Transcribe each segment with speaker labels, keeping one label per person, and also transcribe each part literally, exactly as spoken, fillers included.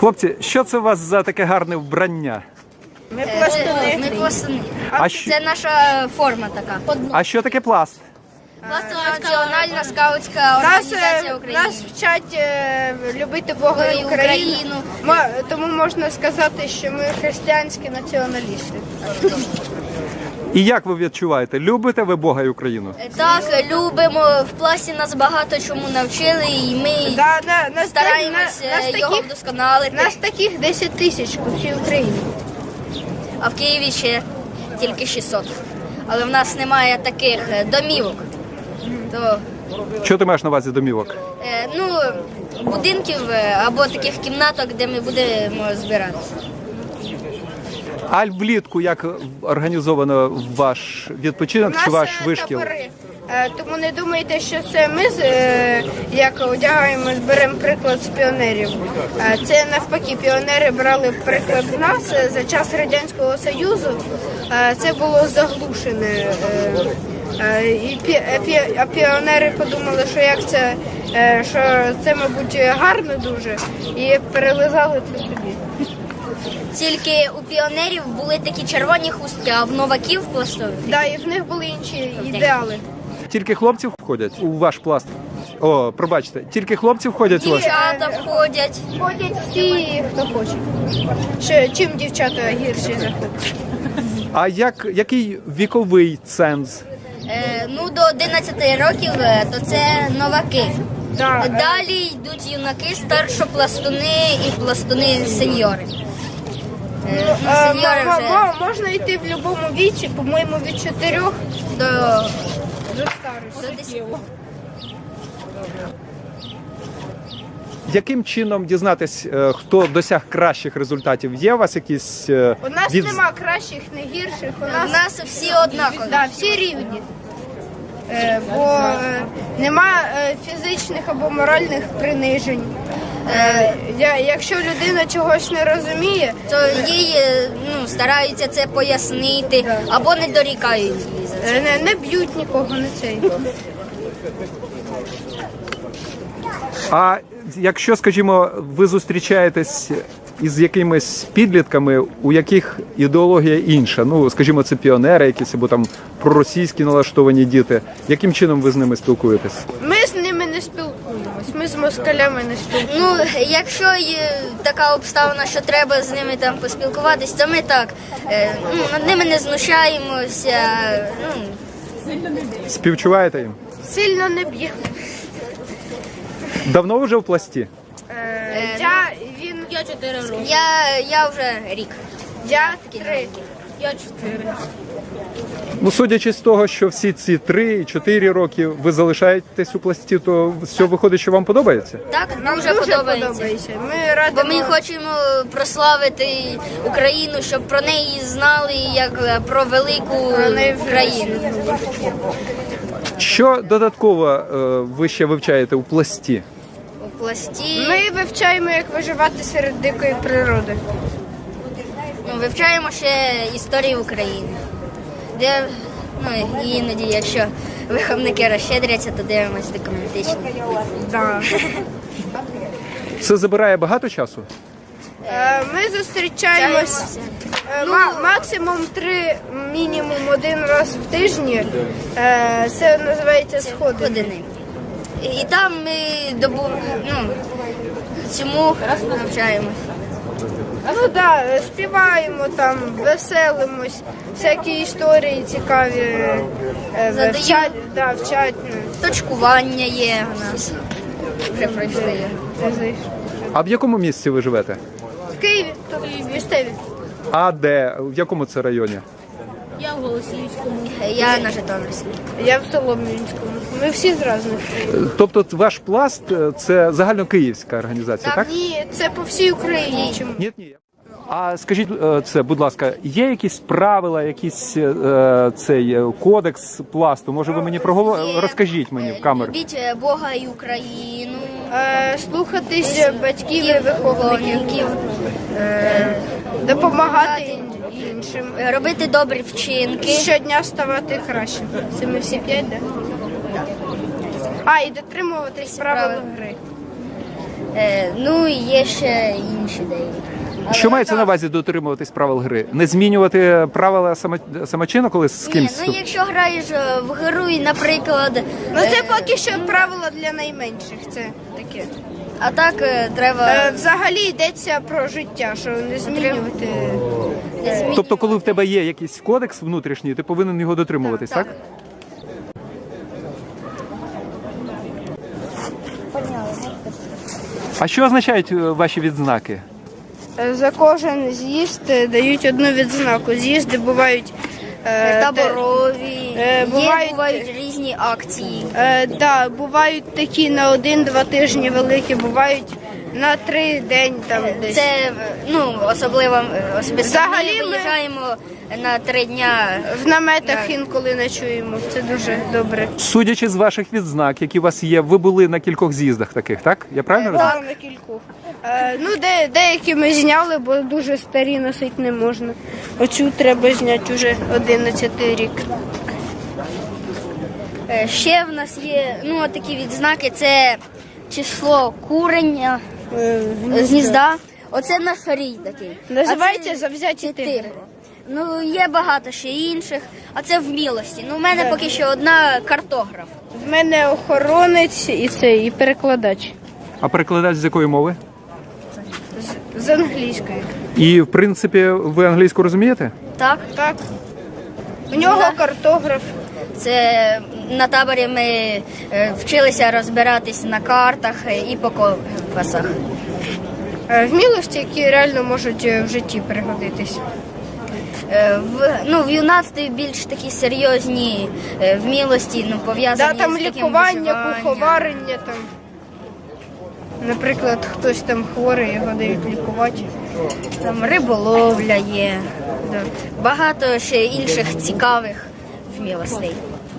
Speaker 1: Хлопці, що це у вас за таке гарне вбрання?
Speaker 2: Ми пластуни.
Speaker 3: Ми пластуни.
Speaker 1: А що,
Speaker 3: Це наша форма така.
Speaker 1: а що таке пласт?
Speaker 3: Пластова національна скаутська
Speaker 2: Нас,
Speaker 3: організація
Speaker 2: е,
Speaker 3: України.
Speaker 2: нас вчать е, любити Бога і
Speaker 3: І
Speaker 2: Україну.
Speaker 3: Україну.
Speaker 2: Ма- Тому можна сказати, що ми християнські націоналісти.
Speaker 1: І як ви відчуваєте? Любите ви Бога і Україну?
Speaker 3: Так, любимо. В пласті нас багато чому навчили, і ми
Speaker 2: Да, на, нас,
Speaker 3: стараємось
Speaker 2: на- нас
Speaker 3: е, його
Speaker 2: таких,
Speaker 3: вдосконалити.
Speaker 2: нас таких десять тисяч по всій Україні.
Speaker 3: А в Києві ще тільки шістсот. Але в нас немає таких е, домівок. То,
Speaker 1: Що ти маєш на увазі домівок?
Speaker 3: е, ну, будинків е, або таких кімнаток, де ми будемо збиратися.
Speaker 1: А влітку як організовано ваш відпочинок чи ваш
Speaker 2: е,
Speaker 1: вишкіл?
Speaker 2: табори. Е, Тому не думайте, що це ми з- е, як одягаємо, беремо приклад з піонерів. Е, Це навпаки, піонери брали приклад з нас. Е, За час Радянського Союзу е, це було заглушене. е, е, І пі- е, пі- а піонери подумали, що як це, е, що це, мабуть, гарно дуже, і перелизали це собі.
Speaker 3: Тільки у піонерів були такі червоні хустки, а в новаків пластових.
Speaker 2: Да, і в них були інші ідеали.
Speaker 1: Тільки хлопці входять у ваш пласт? О, пробачте, тільки хлопці входять у ваш?
Speaker 3: Дівчата входять.
Speaker 2: Ходять всі, хто хоче. Ще, чим дівчата гірші за хлопців?
Speaker 1: А як, який віковий ценз?
Speaker 3: Е, ну, до одинадцяти років е, то це новаки.
Speaker 2: Да, е,
Speaker 3: Далі йдуть юнаки, старшопластуни і пластуни сеньори. Е, ну,
Speaker 2: е,
Speaker 3: сеньори
Speaker 2: м-
Speaker 3: вже
Speaker 2: м- можна йти в будь-якому віці, по-моєму, від чотирьох
Speaker 3: до,
Speaker 2: до старості.
Speaker 3: до десяти.
Speaker 1: Яким чином дізнатись, е, хто досяг кращих результатів? Є у вас якісь е,
Speaker 2: У нас
Speaker 1: від-
Speaker 2: нема кращих, не гірших, у
Speaker 3: У
Speaker 2: нас
Speaker 3: нас всі однакові.
Speaker 2: да, всі рівні. Е, бо е, нема е, фізичних або моральних принижень. Е, я, якщо людина чогось не розуміє,
Speaker 3: То їй е, ну, стараються це пояснити або не дорікають їй за це.
Speaker 2: е, не, не б'ють нікого на цей.
Speaker 1: А якщо, скажімо, ви зустрічаєтесь із якимись підлітками, у яких ідеологія інша, ну, скажімо, це піонери якісь або там проросійські налаштовані діти, яким чином ви з ними спілкуєтесь?
Speaker 2: Ми з ними не спілкуємось, ми з москалями не спілкуємось.
Speaker 3: Ну, якщо є така обставина, що треба з ними там поспілкуватись, то ми так е, ну, над ними не знущаємося. Ну,
Speaker 1: Співчуваєте їм?
Speaker 2: Сильно не б'ємо.
Speaker 1: Давно вже в пласті?
Speaker 2: Е, я, він,
Speaker 3: я чотири роки. Я, я вже рік.
Speaker 2: я три.
Speaker 3: Я чотири.
Speaker 1: Ну, судячи з того, що всі ці три і чотири роки ви залишаєтесь у пласті, то все виходить, що вам подобається?
Speaker 3: Так,
Speaker 2: Нам
Speaker 3: дуже,
Speaker 2: дуже
Speaker 3: подобається.
Speaker 2: подобається. Ми
Speaker 3: Бо
Speaker 2: радимо.
Speaker 3: ми хочемо прославити Україну, щоб про неї знали як про велику
Speaker 2: А не вже
Speaker 3: країну.
Speaker 1: Що додатково е, ви ще вивчаєте у пласті?
Speaker 3: У пласті
Speaker 2: Ми вивчаємо, як виживати серед дикої природи.
Speaker 3: ну, вивчаємо ще історію України. Де ну, іноді, якщо виховники розщедряться, то дивимось документичні.
Speaker 2: Да.
Speaker 1: Це забирає багато часу?
Speaker 2: Е, Ми зустрічаємось е, ма- максимум три, мінімум один раз в тижні. Е, Це називається сходи.
Speaker 3: Години. І там ми добу, ну, цьому навчаємось.
Speaker 2: Ну так, да, співаємо там, веселимось, всякі історії цікаві е,
Speaker 3: Задаємо.
Speaker 2: вчать, да, вчать. ну,
Speaker 3: Точкування є у нас. Вже пройшли.
Speaker 2: ези.
Speaker 1: А в якому місці ви живете?
Speaker 2: В Києві, тут місцеві.
Speaker 1: А де? В якому це районі?
Speaker 3: Я на Житомирській.
Speaker 2: Я в Солом'янському. Ми всі з різних.
Speaker 1: Тобто ваш пласт е, це загальнокиївська організація, так?
Speaker 2: Ні, це по всій Україні. Чому?
Speaker 1: Ні, ні. А скажіть е, це, будь ласка, є якісь правила, якийсь е, цей е, кодекс пласту? Може, ви мені проговор...
Speaker 3: Є.
Speaker 1: розкажіть мені в камеру?
Speaker 3: Любіть е, Бога і Україну.
Speaker 2: Е, Слухатись батьків і виховників.
Speaker 3: Виховників.
Speaker 2: Допомагати ін- іншим.
Speaker 3: Е, Робити добрі вчинки.
Speaker 2: Щодня ставати краще. Це ми всі п'ять, так? А, і дотримуватись правил
Speaker 3: правил.
Speaker 2: гри.
Speaker 3: Е, ну і є ще інші деякі. Але-
Speaker 1: Що мається на увазі дотримуватись правил гри? Не змінювати правила само- самочину, коли з
Speaker 3: Ні,
Speaker 1: кимсь?
Speaker 3: ну якщо граєш е, в гру і, наприклад,
Speaker 2: Ну це
Speaker 3: е,
Speaker 2: поки що правило для найменших. Це таке.
Speaker 3: а так е, треба
Speaker 2: Е, Взагалі йдеться про життя, що не змінювати.
Speaker 3: не змінювати.
Speaker 1: Тобто, коли в тебе є якийсь кодекс внутрішній, ти повинен його дотримуватись, так?
Speaker 2: Так,
Speaker 1: А що означають е, ваші відзнаки?
Speaker 2: Е, За кожен з'їзд е, дають одну відзнаку. З'їзди бувають е,
Speaker 3: таборові,
Speaker 2: Е,
Speaker 3: є
Speaker 2: бувають-
Speaker 3: бувають різні акції.
Speaker 2: Е, да, бувають такі на один-два тижні великі, бувають на три день там десь.
Speaker 3: Це е, ну особливо е, особисто
Speaker 2: Взагалі
Speaker 3: ми
Speaker 2: ми-
Speaker 3: виїжджаємо на три дня.
Speaker 2: В наметах інколи ночуємо. Це дуже добре.
Speaker 1: Судячи з ваших відзнак, які у вас є, ви були на кількох з'їздах таких, так? Я правильно розумію?
Speaker 2: Так, на кількох. Е, ну, де, деякі ми зняли, бо дуже старі носити не можна. Оцю треба зняти вже одинадцятий рік.
Speaker 3: Е, Ще в нас є ну такі відзнаки. Це число курення
Speaker 2: Е,
Speaker 3: з гнізда. Оце наш рій такий.
Speaker 2: Називається
Speaker 3: А це-
Speaker 2: «Завзяті
Speaker 3: це
Speaker 2: тигри».
Speaker 3: Ну є багато ще інших, а це вмілості. Ну, у мене поки що одна картограф.
Speaker 2: В мене охоронець і цей, і перекладач
Speaker 1: А перекладач з якої мови?
Speaker 2: з англійської.
Speaker 1: І, в принципі, ви англійську розумієте?
Speaker 3: Так,
Speaker 2: Так. У нього
Speaker 3: Да.
Speaker 2: картограф.
Speaker 3: це на таборі ми е, вчилися розбиратись на картах е, і по компасах.
Speaker 2: Е, Вмілості, які реально можуть е, в житті пригодитись.
Speaker 3: Е, В, ну, в юнацтві більш такі серйозні е, вмілості, ну, пов'язані
Speaker 2: Да, там
Speaker 3: з таким
Speaker 2: лікування,
Speaker 3: виживанням.
Speaker 2: куховарення там. Наприклад, хтось там хворий, його дають лікувати.
Speaker 3: Там риболовля є. Да. Багато ще інших цікавих вмілостей.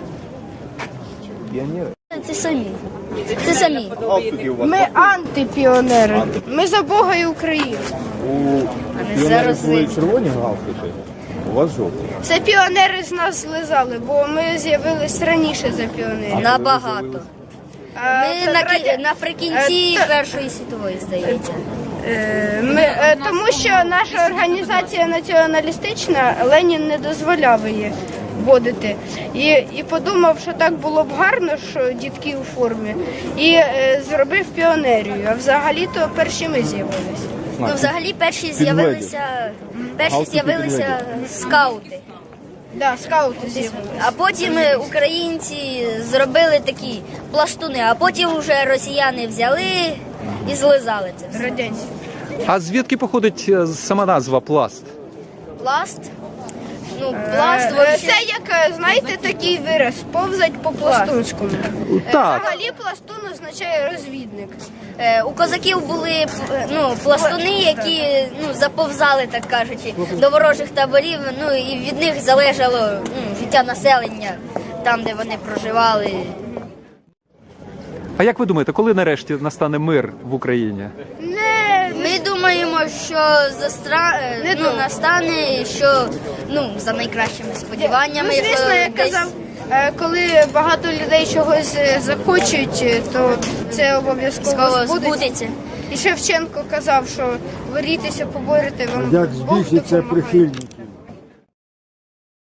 Speaker 3: Це самі. Це самі.
Speaker 2: Ми антипіонери. Ми за Бога і Україну.
Speaker 4: У
Speaker 3: не
Speaker 4: піонерів
Speaker 3: зараз
Speaker 4: були
Speaker 3: ви-
Speaker 4: червоні галстуки, у вас жовті.
Speaker 2: Це піонери з нас злизали, бо ми з'явились раніше за піонерів.
Speaker 3: Набагато.
Speaker 2: А,
Speaker 3: Ми
Speaker 2: це
Speaker 3: на,
Speaker 2: раді-
Speaker 3: кі- наприкінці
Speaker 2: Е, та-
Speaker 3: Першої світової, здається.
Speaker 2: Е, Ми, е, тому що наша організація націоналістична, Ленін не дозволяв її вводити. І, і подумав, що так було б гарно, що дітки у формі, і е, зробив піонерію. А взагалі-то перші ми з'явилися.
Speaker 3: Ну, взагалі перші з'явилися, перші
Speaker 4: Галстуки
Speaker 3: з'явилися скаути.
Speaker 2: Да, скаути з'явилися.
Speaker 3: А потім е, українці зробили такі пластуни, а потім вже росіяни взяли і злизали це все.
Speaker 2: Радянські.
Speaker 1: А звідки походить е, сама назва пласт?
Speaker 3: Пласт. Ну, пласт
Speaker 2: Е,
Speaker 3: вообще...
Speaker 2: Це як, е, знаєте, такий вираз, повзать по пластунському.
Speaker 1: Так.
Speaker 2: Взагалі пластун означає розвідник.
Speaker 3: Е, У козаків були е, ну, пластуни, які ну, заповзали, так кажучи, до ворожих таборів, ну і від них залежало ну, життя населення там, де вони проживали.
Speaker 1: А як ви думаєте, коли нарешті настане мир в Україні?
Speaker 2: Не,
Speaker 3: Ми думаємо, що застра... е,
Speaker 2: Не
Speaker 3: ну,
Speaker 2: думаю.
Speaker 3: настане, що ну, за найкращими сподіваннями.
Speaker 2: Ну, звісно,
Speaker 3: що
Speaker 2: я
Speaker 3: десь-
Speaker 2: казав, е, коли багато людей чогось е, захочуть, е, то це обов'язково
Speaker 3: Скоро
Speaker 2: збудеться.
Speaker 3: збудеться.
Speaker 2: І Шевченко казав, що борітися, поборете вам
Speaker 4: Як
Speaker 2: Бог
Speaker 4: збільшиться
Speaker 2: допомагає.
Speaker 4: прихильність